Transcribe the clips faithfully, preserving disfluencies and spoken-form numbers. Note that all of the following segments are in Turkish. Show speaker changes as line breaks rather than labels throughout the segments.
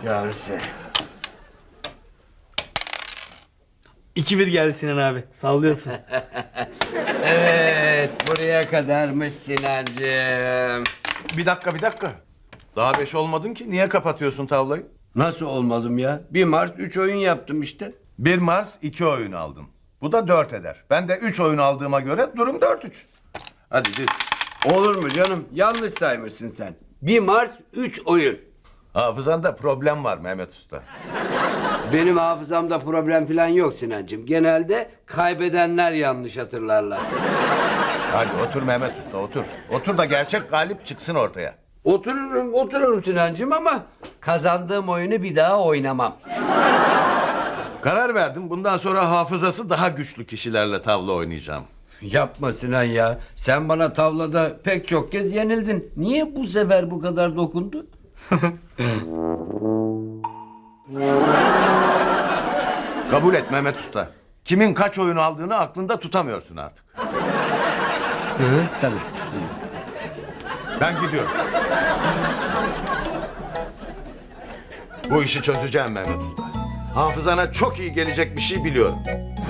kahretsin.
iki bir geldi Sinan abi. Sallıyorsun.
Evet, buraya kadarmış Sinancığım.
Bir dakika bir dakika. Daha beş olmadın ki. Niye kapatıyorsun tavlayı?
Nasıl olmadım ya? Bir Mars üç oyun yaptım işte.
Bir Mars iki oyun aldın. Bu da dört eder. Ben de üç oyun aldığıma göre durum dört üç. Hadi diz.
Olur mu canım? Yanlış saymışsın sen. Bir Mars üç oyun.
Hafızanda problem var Mehmet Usta.
Benim hafızamda problem falan yok Sinancığım. Genelde kaybedenler yanlış hatırlarlar.
Hadi otur Mehmet Usta otur. Otur da gerçek galip çıksın ortaya.
Otururum, otururum Sinancığım ama kazandığım oyunu bir daha oynamam.
Karar verdim. Bundan sonra hafızası daha güçlü kişilerle tavla oynayacağım.
Yapma Sinan ya. Sen bana tavlada pek çok kez yenildin. Niye bu sefer bu kadar dokundu?
Kabul et Mehmet Usta. Kimin kaç oyun aldığını aklında tutamıyorsun artık.
Hı, tabii.
Ben gidiyorum. Bu işi çözeceğim Mehmet Usta. Hafızana çok iyi gelecek bir şey biliyorum.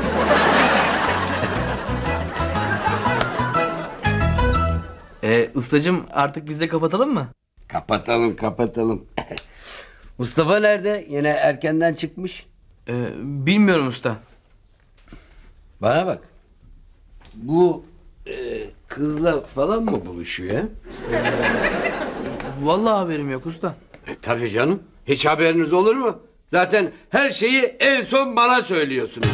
Ee, ustacığım artık biz de kapatalım mı?
Kapatalım, kapatalım. Mustafa nerede? Yine erkenden çıkmış.
Ee, bilmiyorum usta.
Bana bak. Bu e, kızla falan mı buluşuyor ya?
Vallahi haberim yok usta.
E, tabii canım. Hiç haberiniz olur mu? Zaten her şeyi en son bana söylüyorsunuz.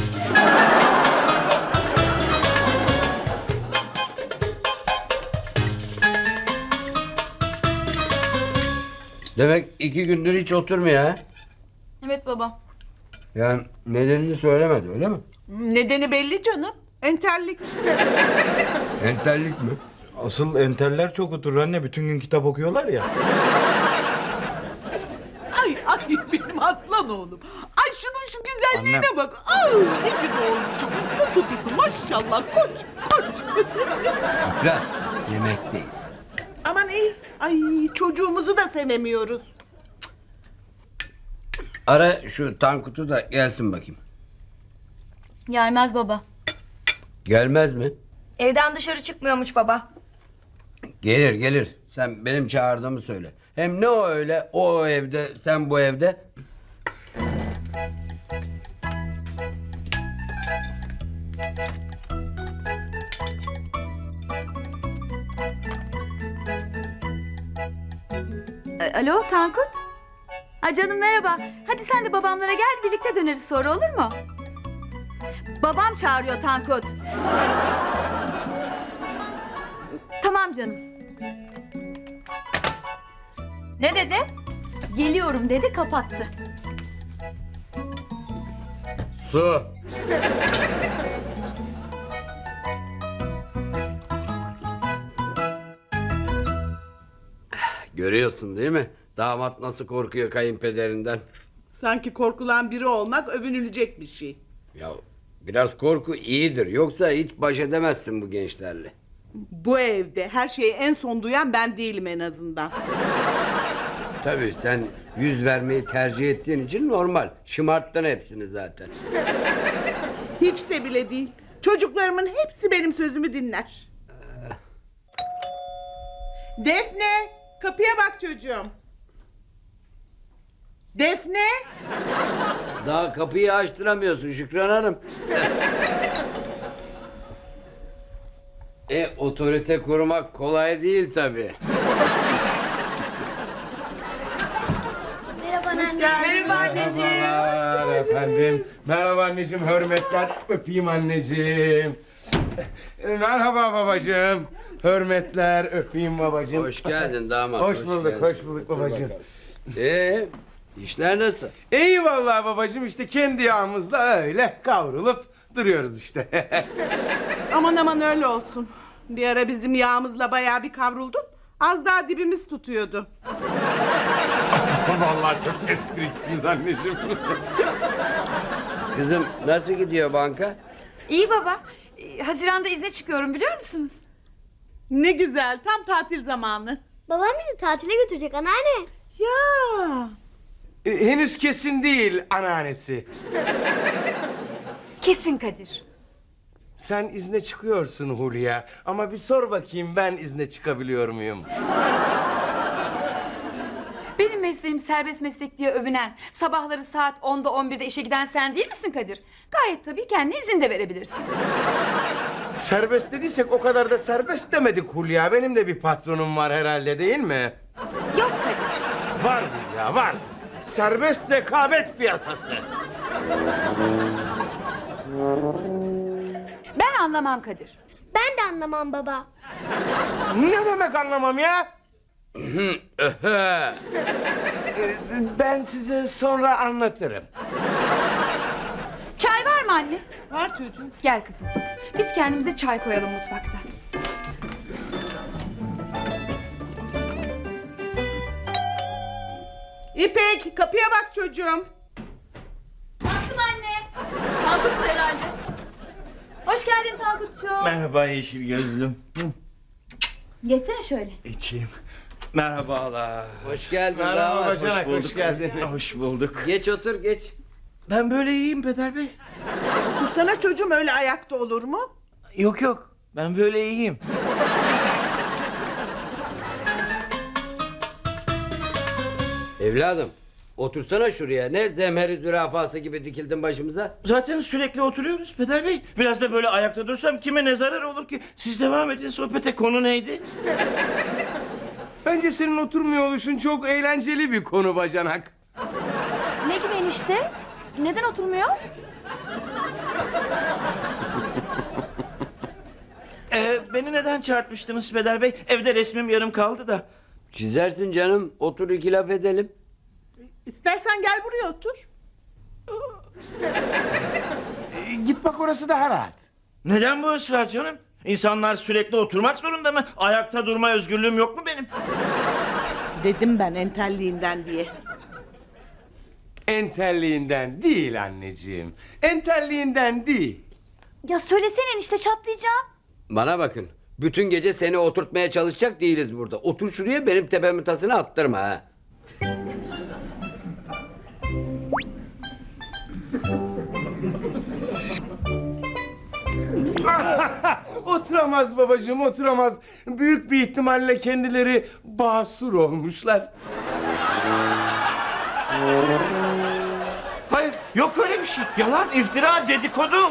Demek iki gündür hiç oturmuyor ha?
Evet baba.
Yani nedenini söylemedi öyle mi?
Nedeni belli canım. Entellik.
Entellik mi?
Asıl enteller çok oturur anne. Bütün gün kitap okuyorlar ya.
Ay ay benim aslan oğlum. Ay şunun şu güzelliğine
Annem.
bak. Ay ne ki doğurmuşum. Tut tut tut maşallah koç koç.
Şükran, yemekteyiz.
Aman iyi. Ay çocuğumuzu da sevemiyoruz.
Ara şu Tankut'u da gelsin bakayım.
Gelmez baba.
Gelmez mi?
Evden dışarı çıkmıyormuş baba.
Gelir gelir. Sen benim çağırdığımı söyle. Hem ne o öyle o, o evde sen bu evde.
E, Alo Tankut. Ha canım merhaba. Hadi sen de babamlara gel birlikte döneriz sonra olur mu? Babam çağırıyor Tankut. Tamam canım.
Ne dedi?
Geliyorum dedi kapattı.
Su. Görüyorsun değil mi? Damat nasıl korkuyor kayınpederinden.
Sanki korkulan biri olmak övünülecek bir şey.
Ya biraz korku iyidir. Yoksa hiç baş edemezsin bu gençlerle.
Bu evde her şeyi en son duyan ben değilim en azından.
Tabii sen yüz vermeyi tercih ettiğin için normal. Şımarttın hepsini zaten.
Hiç de bile değil. Çocuklarımın hepsi benim sözümü dinler. Defne, kapıya bak çocuğum. Defne.
Daha kapıyı açtıramıyorsun Şükran Hanım. E otorite kurmak kolay değil tabii.
Merhaba
Hoş geldin.
Merhaba anneciğim.
Merhabalar efendim. Merhaba anneciğim, hürmetler. Öpeyim anneciğim. E, Merhaba babacığım. Hürmetler, öpeyim babacığım.
Hoş geldin damat.
Hoş bulduk,
geldin.
hoş bulduk babacığım.
Ee, işler nasıl?
İyi vallahi babacığım, işte kendi yağımızla öyle kavrulup duruyoruz işte.
Aman aman öyle olsun. Bir ara bizim yağımızla bayağı bir kavruldun. Az daha dibimiz tutuyordu.
Vallahi çok espriksiniz anneciğim.
Kızım nasıl gidiyor banka?
İyi baba. E, Haziran'da izne çıkıyorum biliyor musunuz?
Ne güzel, tam tatil zamanı.
Babam bizi tatile götürecek anneanne.
Ya.
E, henüz kesin değil anneannesi.
Kesin Kadir.
Sen izne çıkıyorsun Hulya. Ama bir sor bakayım, ben izne çıkabiliyor muyum?
Benim mesleğim serbest meslek diye övünen, sabahları saat onda on birde işe giden sen değil misin Kadir? Gayet tabii kendi izin de verebilirsin.
Serbest dediysek o kadar da serbest demedik Hulya. Benim de bir patronum var herhalde, değil mi?
Yok Kadir.
Var Hulya, var. Serbest rekabet piyasası.
Ben anlamam Kadir.
Ben de anlamam baba.
Ne demek anlamam ya? Ee, Ben size sonra anlatırım.
Çay var mı anne?
Var çocuğum.
Gel kızım. Biz kendimize çay koyalım mutfakta.
İpek kapıya bak çocuğum.
Baktım anne. Tankut herhalde. Hoş geldin Tankut'cuğum.
Merhaba yeşil gözlüm.
Geçsene şöyle.
İçeyim. Merhabalar.
Hoş geldin.
Merhaba
damat.
bacanak, hoş,
bulduk.
geldin.
Hoş bulduk.
Geç otur geç.
Ben böyle iyiyim Peder Bey.
Otursana çocuğum, öyle ayakta olur mu?
Yok yok. Ben böyle iyiyim.
Evladım otursana şuraya. Ne zemheri zürafası gibi dikildin başımıza.
Zaten sürekli oturuyoruz Peder Bey. Biraz da böyle ayakta dursam kime ne zarar olur ki? Siz devam edin sohbete, konu neydi?
Bence senin oturmuyor oluşun çok eğlenceli bir konu bacanak.
Ne gibi enişte? Neden oturmuyor?
Ee, beni neden çağırtmıştınız Peder Bey? Evde resmim yarım kaldı da.
Çizersin canım. Otur iki laf edelim.
İstersen gel buraya otur.
Ee, Git bak, orası daha rahat.
Neden bu ısrar canım? İnsanlar sürekli oturmak zorunda mı? Ayakta durma özgürlüğüm yok mu benim?
Dedim ben entelliğinden diye.
Entelliğinden değil anneciğim. Entelliğinden değil.
Ya söylesene enişte, çatlayacağım.
Bana bakın. Bütün gece seni oturtmaya çalışacak değiliz burada. Otur şuraya, benim tepemin tasını attırma ha.
Oturamaz babacığım, oturamaz. Büyük bir ihtimalle kendileri basur olmuşlar.
Hayır, yok öyle bir şey. Yalan, iftira, dedikodu.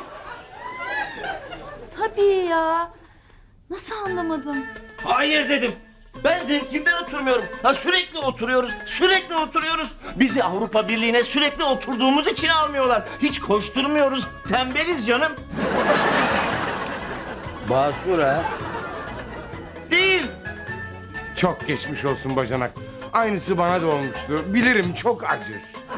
Tabii ya. Nasıl anlamadım?
Hayır dedim. Ben zevkimden oturmuyorum. Ha, sürekli oturuyoruz, sürekli oturuyoruz. Bizi Avrupa Birliği'ne sürekli oturduğumuz için almıyorlar. Hiç koşturmuyoruz, tembeliz canım.
Basur ha.
Değil.
Çok geçmiş olsun bacanak. Aynısı bana da olmuştu. Bilirim, çok acır.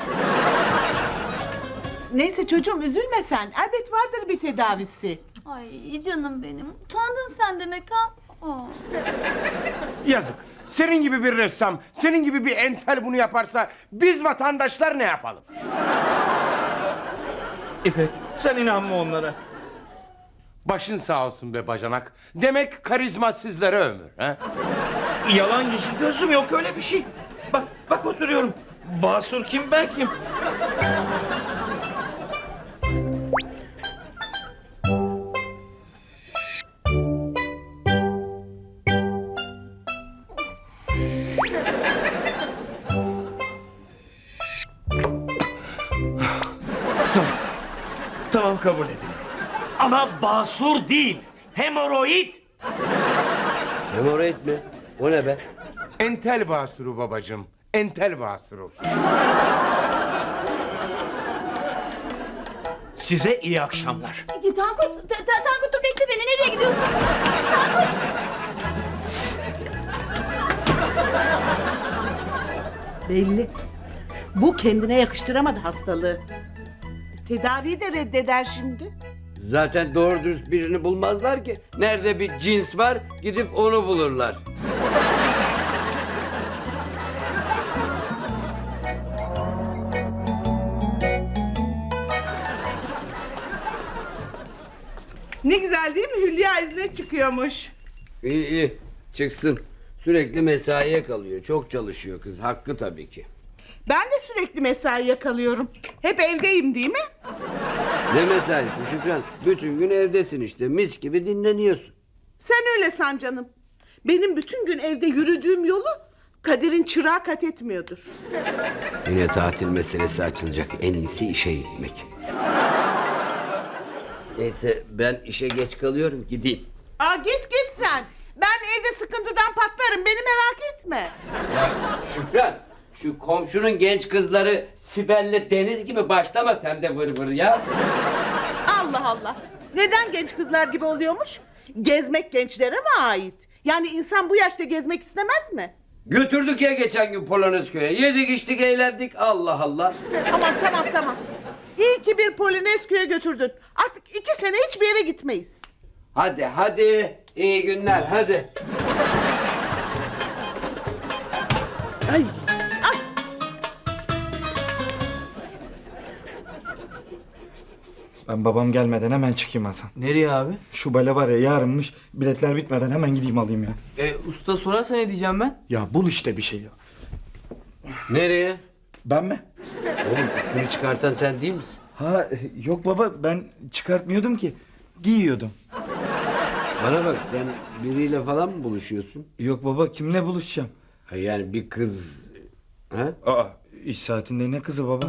Neyse çocuğum, üzülme sen. Elbet vardır bir tedavisi.
Ay canım benim. Utandın sen demek ha? Aa.
Yazık. Senin gibi bir ressam, senin gibi bir entel bunu yaparsa biz vatandaşlar ne yapalım?
İpek, sen inanma onlara.
Başın sağ olsun be bacanak. Demek karizma sizlere ömür. He?
Yalan yeşil gözüm, yok öyle bir şey. Bak, bak oturuyorum. Basur kim, ben kim? Tamam. Tamam, kabul edin. Ama basur değil, hemoroid.
Hemoroid mi? O ne be?
Entel basuru babacığım. Entel basuru.
Size iyi akşamlar.
Tankut, ta- ta- Tankut dur bekle beni. Nereye gidiyorsun?
Belli. Bu kendine yakıştıramadı hastalığı. Tedaviyi de reddeder şimdi.
Zaten doğru dürüst birini bulmazlar ki. Nerede bir cins var gidip onu bulurlar.
Ne güzel değil mi? Hülya izne çıkıyormuş.
İyi iyi çıksın. Sürekli mesaiye kalıyor. Çok çalışıyor kız. Hakkı tabii ki.
Ben de sürekli mesai yakalıyorum. Hep evdeyim değil mi?
Ne mesaisi Şükran? Bütün gün evdesin işte, mis gibi dinleniyorsun.
Sen öyle san canım. Benim bütün gün evde yürüdüğüm yolu Kadir'in çırağı kat etmiyordur.
Yine tatil meselesi açılacak. En iyisi işe gitmek. Neyse ben işe geç kalıyorum, gideyim.
Aa git git sen. Ben evde sıkıntıdan patlarım, beni merak etme.
Ya Şükran, şu komşunun genç kızları Sibel'le Deniz gibi başlama sen de vır vır ya.
Allah Allah. Neden genç kızlar gibi oluyormuş? Gezmek gençlere mi ait? Yani insan bu yaşta gezmek istemez mi?
Götürdük ya geçen gün Polonezköy'e. Yedik içtik eğlendik, Allah Allah.
Aman tamam tamam. İyi ki bir Polonezköy'e götürdün. Artık iki sene hiçbir yere gitmeyiz.
Hadi hadi, iyi günler hadi.
Ay, ay.
Ben babam gelmeden hemen çıkayım Hasan.
Nereye abi?
Şu bale var ya yarınmış. Biletler bitmeden hemen gideyim alayım ya.
E, usta sorarsa ne diyeceğim ben?
Ya bul işte bir şey ya.
Nereye?
Ben mi?
Oğlum üstünü çıkartan sen değil misin?
Ha yok baba ben çıkartmıyordum ki. Giyiyordum.
Bana bak, sen biriyle falan mı buluşuyorsun?
Yok baba kimle buluşacağım?
Ha yani bir kız... Ha?
Aa iş saatinde ne kızı baba?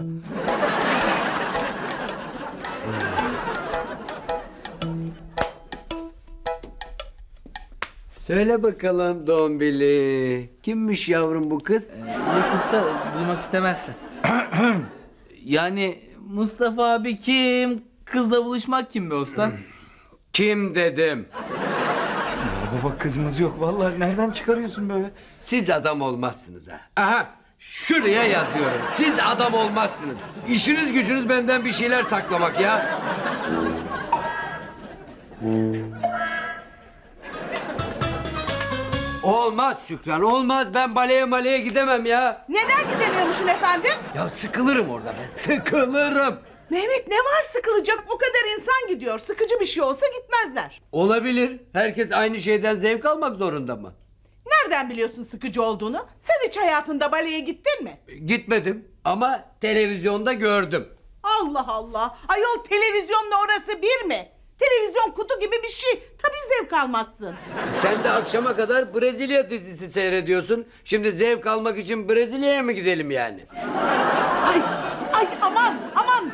Söyle bakalım Dombili. Kimmiş yavrum bu kız?
Yok usta, duymak istemezsin. Yani Mustafa abi kim? Kızla buluşmak kim be usta?
Kim dedim?
Ya baba kızımız yok vallahi nereden çıkarıyorsun böyle?
Siz adam olmazsınız ha. Aha, şuraya yazıyorum. Siz adam olmazsınız. İşiniz gücünüz benden bir şeyler saklamak ya. Olmaz Şükran, olmaz. Ben baleye maleye gidemem ya.
Neden gidemiyormuşsun efendim?
Ya sıkılırım orada ben, sıkılırım.
Mehmet ne var sıkılacak? O kadar insan gidiyor. Sıkıcı bir şey olsa gitmezler.
Olabilir. Herkes aynı şeyden zevk almak zorunda mı?
Nereden biliyorsun sıkıcı olduğunu? Sen hiç hayatında baleye gittin mi?
Gitmedim ama televizyonda gördüm.
Allah Allah. Ayol televizyonla orası bir mi? Televizyon kutu gibi bir şey. Tabii zevk almazsın.
Sen de akşama kadar Brezilya dizisi seyrediyorsun. Şimdi zevk almak için Brezilya'ya mı gidelim yani?
Ay, ay aman aman.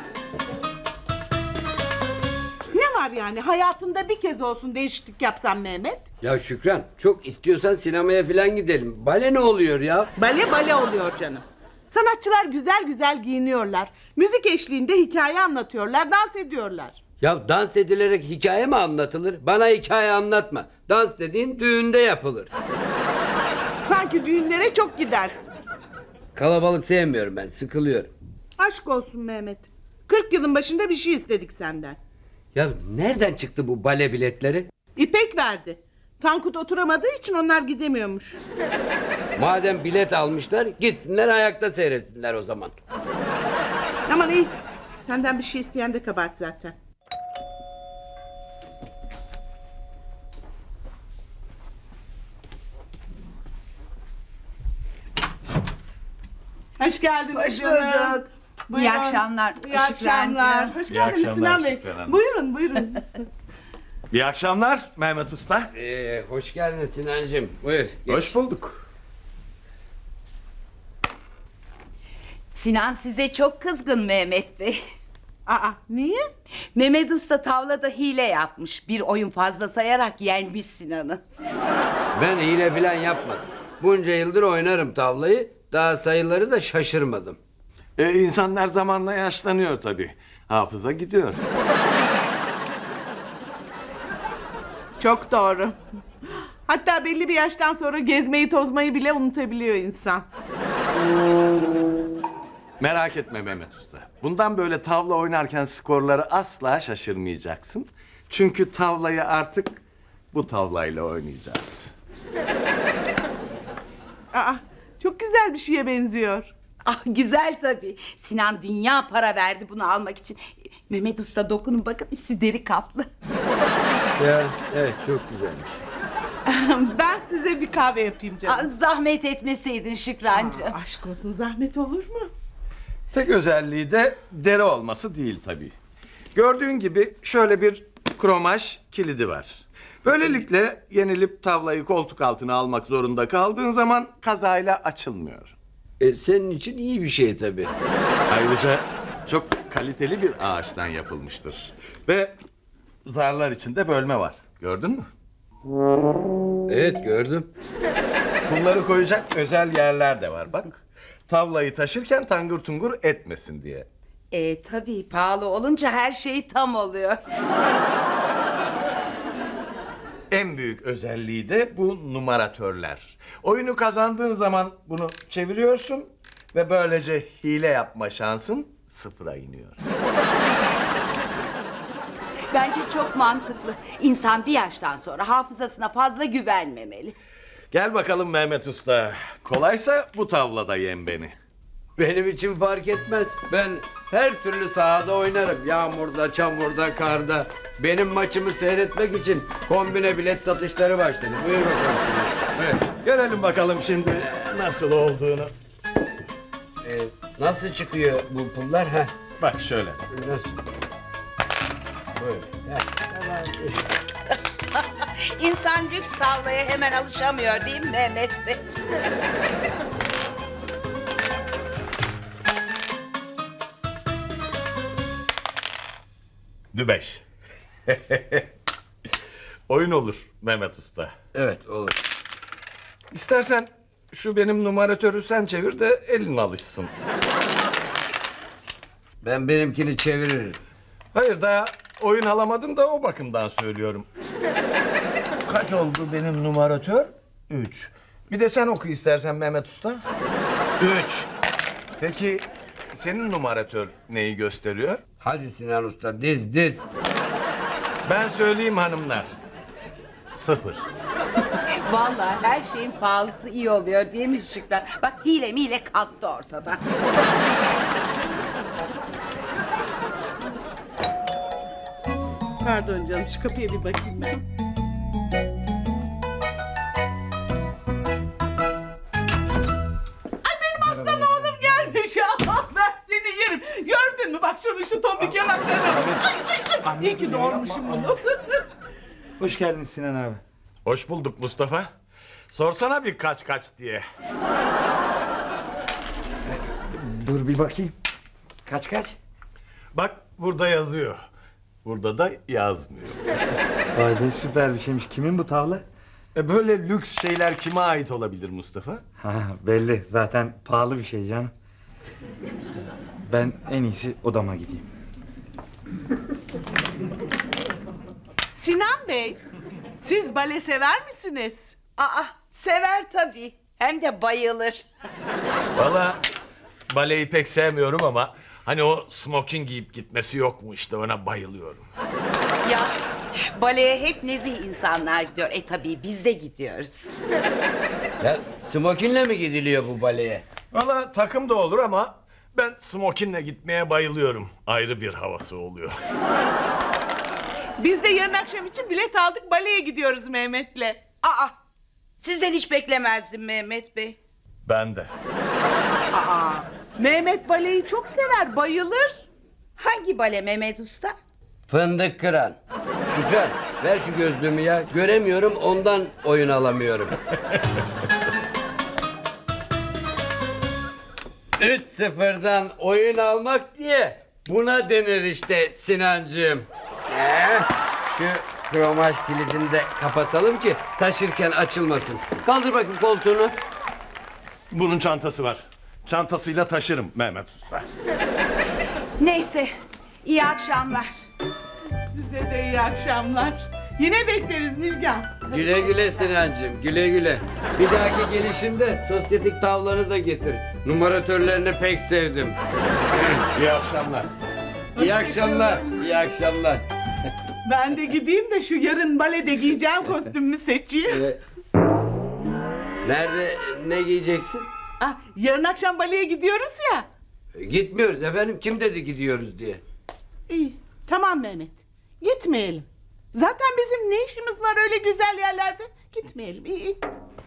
Ne var yani hayatında bir kez olsun değişiklik yapsan Mehmet?
Ya Şükran, çok istiyorsan sinemaya falan gidelim. Bale ne oluyor ya?
Bale bale oluyor canım. Sanatçılar güzel güzel giyiniyorlar. Müzik eşliğinde hikaye anlatıyorlar, dans ediyorlar.
Ya dans edilerek hikaye mi anlatılır? Bana hikaye anlatma. Dans dediğin düğünde yapılır.
Sanki düğünlere çok gidersin.
Kalabalık sevmiyorum ben, sıkılıyorum.
Aşk olsun Mehmet. kırk yılın başında bir şey istedik senden.
Ya nereden çıktı bu bale biletleri?
İpek verdi. Tankut oturamadığı için onlar gidemiyormuş.
Madem bilet almışlar, gitsinler ayakta seyretsinler o zaman.
Aman iyi. Senden bir şey isteyen de kabahat zaten. Hoş geldin.
Hoş bulduk. İyi akşamlar.
İyi akşamlar. Hoş
İyi
geldiniz
akşamlar
Sinan Bey.
Şükran Hanım.
Buyurun buyurun.
İyi akşamlar Mehmet Usta.
Ee, hoş geldin Sinancığım. Buyur. geç.
Hoş bulduk.
Sinan size çok kızgın Mehmet Bey.
Aa niye?
Mehmet Usta tavlada hile yapmış. Bir oyun fazla sayarak yenmiş Sinan'ı.
Ben hile falan yapmadım. Bunca yıldır oynarım tavlayı. Daha sayıları da şaşırmadım.
Ee, insanlar zamanla yaşlanıyor tabii. Hafıza gidiyor.
Çok doğru. Hatta belli bir yaştan sonra gezmeyi tozmayı bile unutabiliyor insan.
Merak etme Mehmet Usta. Bundan böyle tavla oynarken skorları asla şaşırmayacaksın. Çünkü tavlayı artık bu tavlayla oynayacağız.
Aa çok güzel bir şeye benziyor.
Ah güzel tabii. Sinan dünya para verdi bunu almak için. Mehmet Usta dokunun bakın üstü deri kaplı.
Ya evet, çok güzelmiş.
Ben size bir kahve yapayım canım.
Aa, zahmet etmeseydin Şükrancığım.
Aa, aşk olsun, zahmet olur mu?
Tek özelliği de deri olması değil tabii. Gördüğün gibi şöyle bir kromaj kilidi var. Böylelikle yenilip tavlayı koltuk altına almak zorunda kaldığın zaman kazayla açılmıyor.
E, senin için iyi bir şey tabii.
Ayrıca çok kaliteli bir ağaçtan yapılmıştır. Ve zarlar içinde bölme var. Gördün mü?
Evet, gördüm.
Pulları koyacak özel yerler de var bak. Tavlayı taşırken tangır tungur etmesin diye.
E tabii pahalı olunca her şey tam oluyor.
En büyük özelliği de bu numaratörler. Oyunu kazandığın zaman bunu çeviriyorsun ve böylece hile yapma şansın sıfıra iniyor.
Bence çok mantıklı. İnsan bir yaştan sonra hafızasına fazla güvenmemeli.
Gel bakalım Mehmet Usta. Kolaysa bu tavlada yen beni.
Benim için fark etmez. Ben her türlü sahada oynarım. Yağmurda, çamurda, karda. Benim maçımı seyretmek için kombine bilet satışları başladı. Buyur bakalım.
Evet, görelim bakalım şimdi nasıl olduğunu.
E, nasıl çıkıyor bu pullar? Heh,
Bak şöyle.
nasıl? Böyle. Heh, tamam.
İnsan lüks tavlaya hemen alışamıyor değil mi Mehmet Bey?
Dübeş. Oyun olur Mehmet Usta.
Evet, olur.
İstersen şu benim numaratörü sen çevir de elin alışsın.
Ben benimkini çeviririm.
Hayır, daha oyun alamadın da o bakımdan söylüyorum. Kaç oldu benim numaratör? Üç. Bir de sen oku istersen Mehmet Usta. Üç. Peki senin numaratör neyi gösteriyor?
Hadi Sinan Usta, diz diz.
Ben söyleyeyim hanımlar. Sıfır.
Vallahi her şeyin pahalısı iyi oluyor değil mi Şükran? Bak hile mile kalktı ortadan.
Pardon canım, şu kapıya bir bakayım ben. Ay benim aslan oğlum gelmiş. Ah, ben seni yerim. Gördün mü? Bak şunu, şu tombik yanaklarına bak. Ay ay ay. İyi ki doğurmuşum bunu.
Hoş geldin Sinan abi.
Hoş bulduk Mustafa. Sorsana bir kaç kaç diye.
Dur bir bakayım. Kaç kaç?
Bak burada yazıyor. Burada da yazmıyor.
Vay be, süper bir şeymiş. Kimin bu tavla?
E böyle lüks şeyler kime ait olabilir Mustafa?
Ha, belli. Zaten pahalı bir şey canım. Ben en iyisi odama gideyim.
Sinan Bey, siz bale sever misiniz?
Aa sever tabii. Hem de bayılır.
Valla baleyi pek sevmiyorum ama hani o smoking giyip gitmesi yok mu işte, ona bayılıyorum.
Ya baleye hep nezih insanlar gidiyor. E tabii biz de gidiyoruz.
Ya smokinle mi gidiliyor bu baleye?
Valla takım da olur ama ben smokinle gitmeye bayılıyorum. Ayrı bir havası oluyor.
Biz de yarın akşam için bilet aldık, baleye gidiyoruz Mehmet'le.
Aa sizden hiç beklemezdim Mehmet Bey.
Ben de.
Aa, Mehmet baleyi çok sever, bayılır.
Hangi bale Mehmet Usta?
Fındık kıran. Şükran, ver şu gözlüğümü ya. Göremiyorum, ondan oyun alamıyorum. Üç sıfırdan oyun almak diye buna denir işte Sinancığım. Ee, şu kromaj kilidini de kapatalım ki taşırken açılmasın. Kaldır bakayım koltuğunu.
Bunun çantası var. Çantasıyla taşırım Mehmet Usta.
Neyse iyi akşamlar.
Size de iyi akşamlar. Yine bekleriz Müjgan.
Güle güle Sinancığım, güle güle. Bir dahaki gelişinde sosyetik tavlanı da getir. Numaratörlerini pek sevdim.
İyi akşamlar.
İyi akşamlar, iyi akşamlar.
Ben de gideyim de şu yarın balede giyeceğim kostümümü seçeyim.
Ee, nerede, ne giyeceksin?
Ah, yarın akşam baleye gidiyoruz ya.
Gitmiyoruz efendim, kim dedi gidiyoruz diye.
İyi, tamam Mehmet. Gitmeyelim. Zaten bizim ne işimiz var öyle güzel yerlerde? Gitmeyelim. İyi iyi.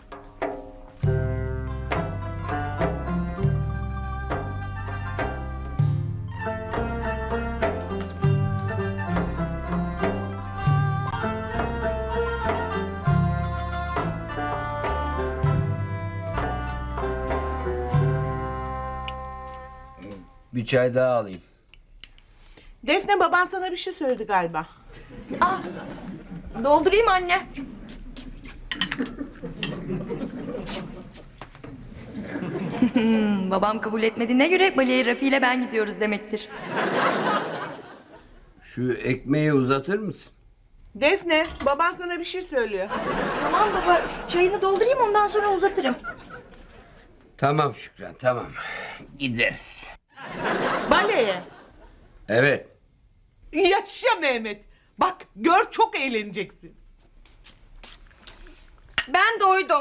Bir çay daha alayım.
Defne, baban sana bir şey söyledi galiba.
Doldurayım anne. Hmm, babam kabul etmediğine göre Bali'ye Rafi ile ben gidiyoruz demektir.
Şu ekmeği uzatır mısın?
Defne, baban sana bir şey söylüyor.
Tamam baba, şu çayını doldurayım ondan sonra uzatırım.
Tamam Şükran, tamam. Gideriz.
Baleye.
Evet.
Yaşa Mehmet. Bak gör, çok eğleneceksin.
Ben doydum.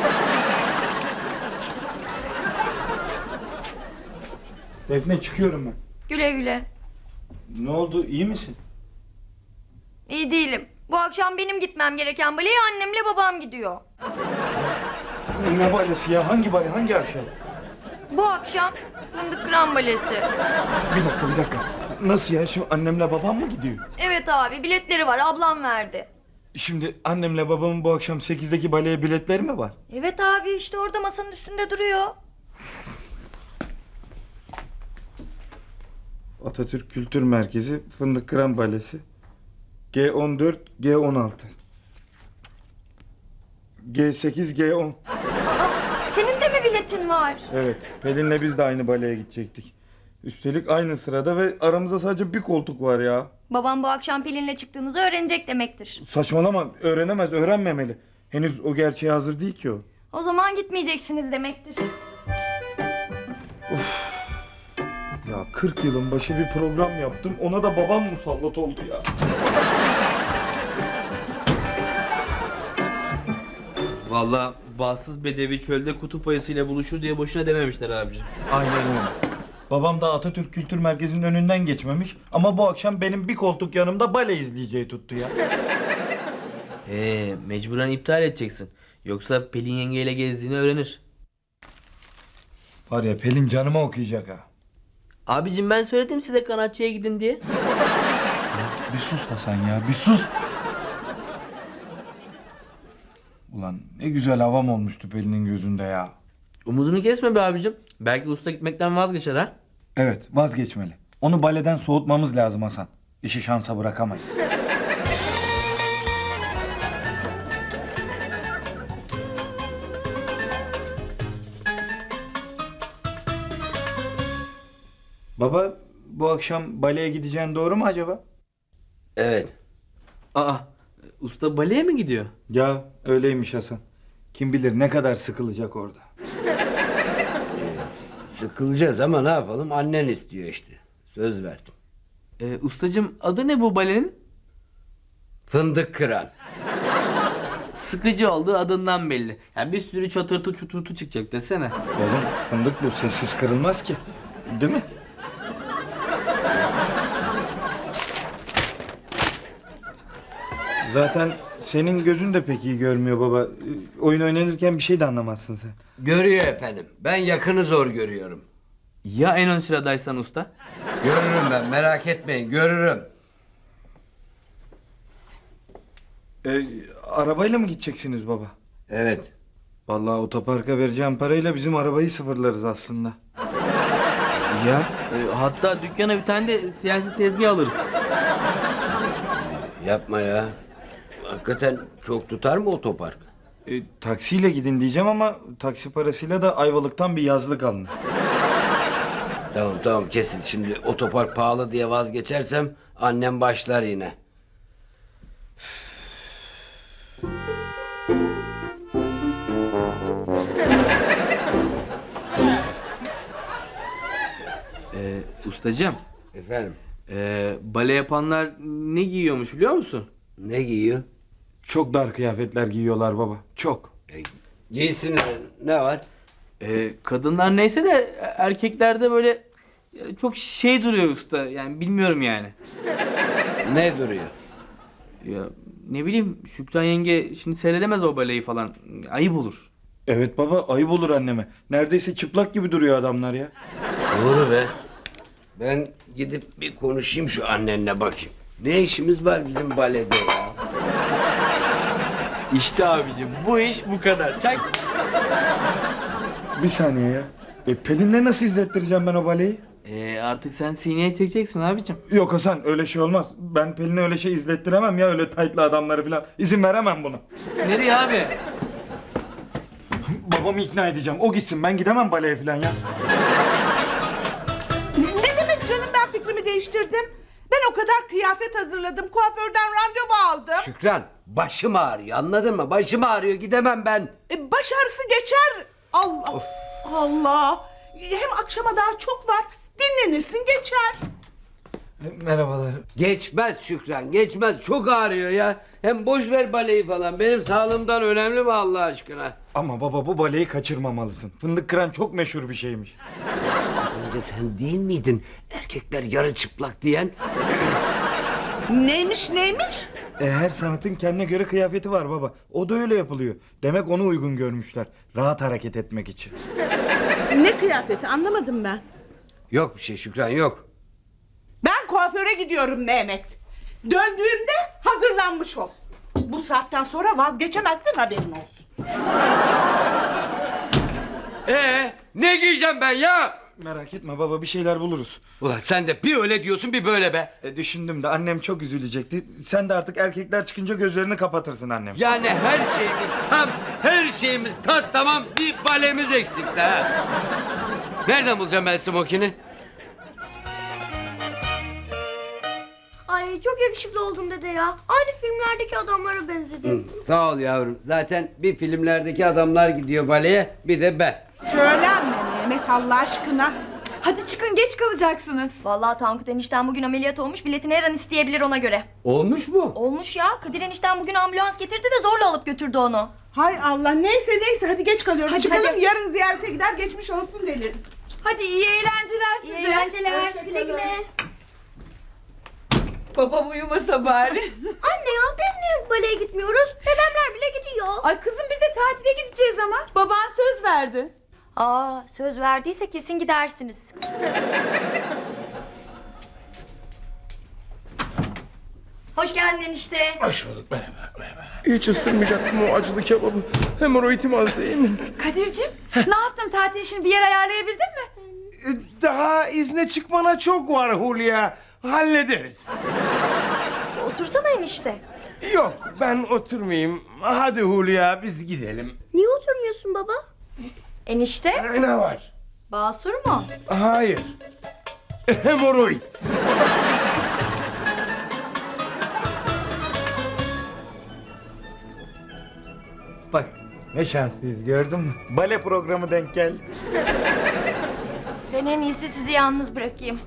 Defne çıkıyorum ben.
Güle güle.
Ne oldu, iyi misin?
İyi değilim. Bu akşam benim gitmem gereken baleye annemle babam gidiyor.
Ne balesi ya? Hangi bale? Hangi akşam?
Bu akşam fındık kıran balesi.
Bir dakika bir dakika. Nasıl ya? Şimdi annemle babam mı gidiyor?
Evet abi, biletleri var, ablam verdi.
Şimdi annemle babamın bu akşam sekizdeki baleye biletleri mi var?
Evet abi, işte orada masanın üstünde duruyor.
Atatürk Kültür Merkezi Fındık Kıran Balesi G on dört G on altı G sekiz G on.
Senin de mi biletin var?
Evet, Pelin'le biz de aynı baleye gidecektik. Üstelik aynı sırada ve aramızda sadece bir koltuk var ya.
Babam bu akşam Pelin'le çıktığınızı öğrenecek demektir.
Saçmalama, öğrenemez, öğrenmemeli. Henüz o gerçeğe hazır değil ki o.
O zaman gitmeyeceksiniz demektir.
Ya kırk yılın başı bir program yaptım, ona da babam musallat oldu ya.
Vallahi bağımsız bedevi çölde kutup ayısıyla buluşur diye boşuna dememişler abicim.
Aynen öyle. Babam da Atatürk Kültür Merkezi'nin önünden geçmemiş ama bu akşam benim bir koltuk yanımda bale izleyeceği tuttu ya.
Ee, mecburen iptal edeceksin. Yoksa Pelin yengeyle gezdiğini öğrenir.
Var ya, Pelin canıma okuyacak ha.
Abicim ben söyledim size kanatçıya gidin diye.
Bir sus Hasan ya, bir sus. Ulan ne güzel havam olmuştu Pelin'in gözünde ya.
Umudunu kesme be abicim. Belki usta gitmekten vazgeçer ha.
Evet, vazgeçmeli. Onu baleden soğutmamız lazım Hasan. İşi şansa bırakamayız. Baba, bu akşam baleye gideceğin doğru mu acaba?
Evet.
Aa, usta baleye mi gidiyor?
Ya öyleymiş Hasan. Kim bilir ne kadar sıkılacak orada.
Sıkılacağız ama ne yapalım? Annen istiyor işte. Söz verdim.
Ee, ustacım adı ne bu balenin?
Fındık kıran.
Sıkıcı olduğu adından belli. Yani bir sürü çatırtı çuturtu çıkacak desene.
Oğlum fındık bu, sessiz kırılmaz ki. Değil mi? Zaten senin gözün de pek iyi görmüyor baba. Oyun oynanırken bir şey de anlamazsın sen.
Görüyor efendim. Ben yakını zor görüyorum.
Ya en ön sıradaysan usta?
Görürüm ben, merak etmeyin, görürüm.
Ee, arabayla mı gideceksiniz baba?
Evet.
Vallahi otoparka vereceğim parayla bizim arabayı sıfırlarız aslında.
Ya e, hatta dükkana bir tane de siyasi tezgah alırız.
Yapma ya. Hakikaten çok tutar mı otopark?
Ee, taksiyle gidin diyeceğim ama taksi parasıyla da Ayvalık'tan bir yazlık alınır.
Tamam tamam kesin. Şimdi otopark pahalı diye vazgeçersem annem başlar yine.
Ee, ustacığım,
Efendim,
e, bale yapanlar ne giyiyormuş biliyor musun?
ne giyiyor?
Çok dar kıyafetler giyiyorlar baba. Çok.
E, giysinler. Ne var?
Ee, kadınlar neyse de erkeklerde böyle e, çok şey duruyor usta. Yani bilmiyorum yani.
Ne duruyor?
Ya ne bileyim Şükran yenge şimdi seyredemez o baleyi falan. Ayıp olur.
Evet baba, ayıp olur anneme. Neredeyse çıplak gibi duruyor adamlar ya.
Doğru be. Ben gidip bir konuşayım şu annenle bakayım. Ne işimiz var bizim balede ya?
İşte abicim bu iş bu kadar. Çak.
Bir saniye ya. E, Pelin'le nasıl izlettireceğim ben o baleyi?
Ee, artık sen sineye çekeceksin abicim.
Yok Hasan, öyle şey olmaz. Ben Pelin'e öyle şey izlettiremem ya, öyle taytlı adamları falan. İzin veremem buna.
Nereye abi?
Babamı ikna edeceğim. O gitsin, ben gidemem baleye falan ya.
Ne demek canım, ben fikrimi değiştirdim. Ben o kadar kıyafet hazırladım. Kuaförden randevu aldım.
Şükran, başım ağrıyor, anladın mı? Başım ağrıyor, gidemem ben.
E, baş ağrısı geçer. Allah. Allah. Hem akşama daha çok var. Dinlenirsin, geçer.
Merhabalar.
Geçmez Şükran, geçmez. Çok ağrıyor ya. Hem boş ver baleyi falan. Benim sağlığımdan önemli mi Allah aşkına?
Ama baba, bu baleyi kaçırmamalısın. Fındık kıran çok meşhur bir şeymiş.
Önce sen değil miydin erkekler yarı çıplak diyen?
Neymiş neymiş?
E, her sanatın kendine göre kıyafeti var baba. O da öyle yapılıyor. Demek onu uygun görmüşler. Rahat hareket etmek için.
Ne kıyafeti, anlamadım ben.
Yok bir şey Şükran, yok.
Ben kuaföre gidiyorum Mehmet. Döndüğümde hazırlanmış ol. Bu saatten sonra vazgeçemezsin, haberin olsun.
Ee, ne giyeceğim ben ya?
Merak etme baba, bir şeyler buluruz.
Ulan sen de bir öyle diyorsun bir böyle be.
E, düşündüm de annem çok üzülecekti. Sen de artık erkekler çıkınca gözlerini kapatırsın annem.
Yani her şeyimiz tam, her şeyimiz tas tamam, bir balemiz eksikti ha. Nereden bulacağım ben smokini?
Ay çok yakışıklı oldun dede ya. Aynı filmlerdeki adamlara benzedin.
Sağ ol yavrum. Zaten bir filmlerdeki adamlar gidiyor baleye, bir de ben.
Söylenme Mehmet Allah aşkına.
Hadi çıkın, geç kalacaksınız.
Vallahi Tankut enişten bugün ameliyat olmuş, biletini her an isteyebilir ona göre.
Olmuş mu?
Olmuş ya, Kadir enişten bugün ambulans getirdi de zorla alıp götürdü onu.
Hay Allah, neyse neyse, hadi geç kalıyoruz.
Hadi,
Çıkalım,
hadi.
yarın ziyarete gider, geçmiş olsun denir.
Hadi iyi eğlenceler size.
İyi eğlenceler.
Güle güle.
Babam uyumasa bari.
Anne ya, biz niye baleye gitmiyoruz? Dedemler bile gidiyor.
Ay kızım, biz de tatile gideceğiz ama. Baban söz verdi.
Aa, söz verdiyse kesin gidersiniz. Hoş geldin enişte.
Hoş bulduk, merhaba, merhaba.
Hiç ısırmayacaktım o acılı kebabı. Hemoroidim az değil mi?
Kadir'cim, ne yaptın, tatil için bir yer ayarlayabildin mi?
E, Daha izne çıkmana çok var Hulya. Hallederiz.
Otursana enişte.
Yok, ben oturmayayım. Hadi Hulya, biz gidelim.
Niye oturmuyorsun baba?
Enişte,
E, ne var?
basur mu?
Hayır. Hemoroid.
Bak ne şanslıyız, gördün mü? Bale programı denk geldi.
Ben en iyisi sizi yalnız bırakayım.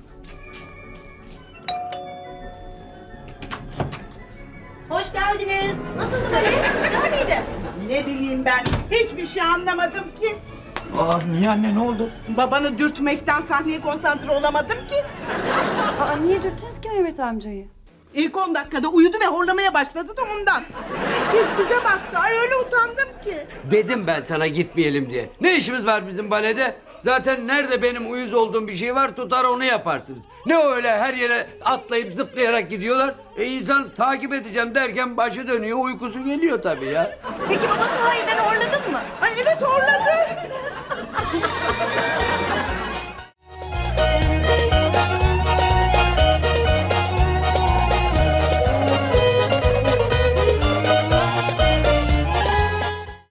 Hoş geldiniz. Nasıldı böyle? Güzel miydi?
Ne bileyim ben, hiçbir şey anlamadım ki.
Aa, niye anne, ne oldu?
Babanı dürtmekten sahneye konsantre olamadım ki.
Aa, niye dürttünüz ki Mehmet amcayı?
İlk on dakikada uyudu ve horlamaya başladı da ondan. Herkes bize baktı, ay öyle utandım ki.
Dedim ben sana gitmeyelim diye. Ne işimiz var bizim balede? Zaten nerede benim uyuz olduğum bir şey var, tutar onu yaparsınız. Ne öyle her yere atlayıp zıplayarak gidiyorlar. E insan takip edeceğim derken başı dönüyor, uykusu geliyor tabii ya.
Peki baba sahiden horladın mı?
Ay evet, horladı.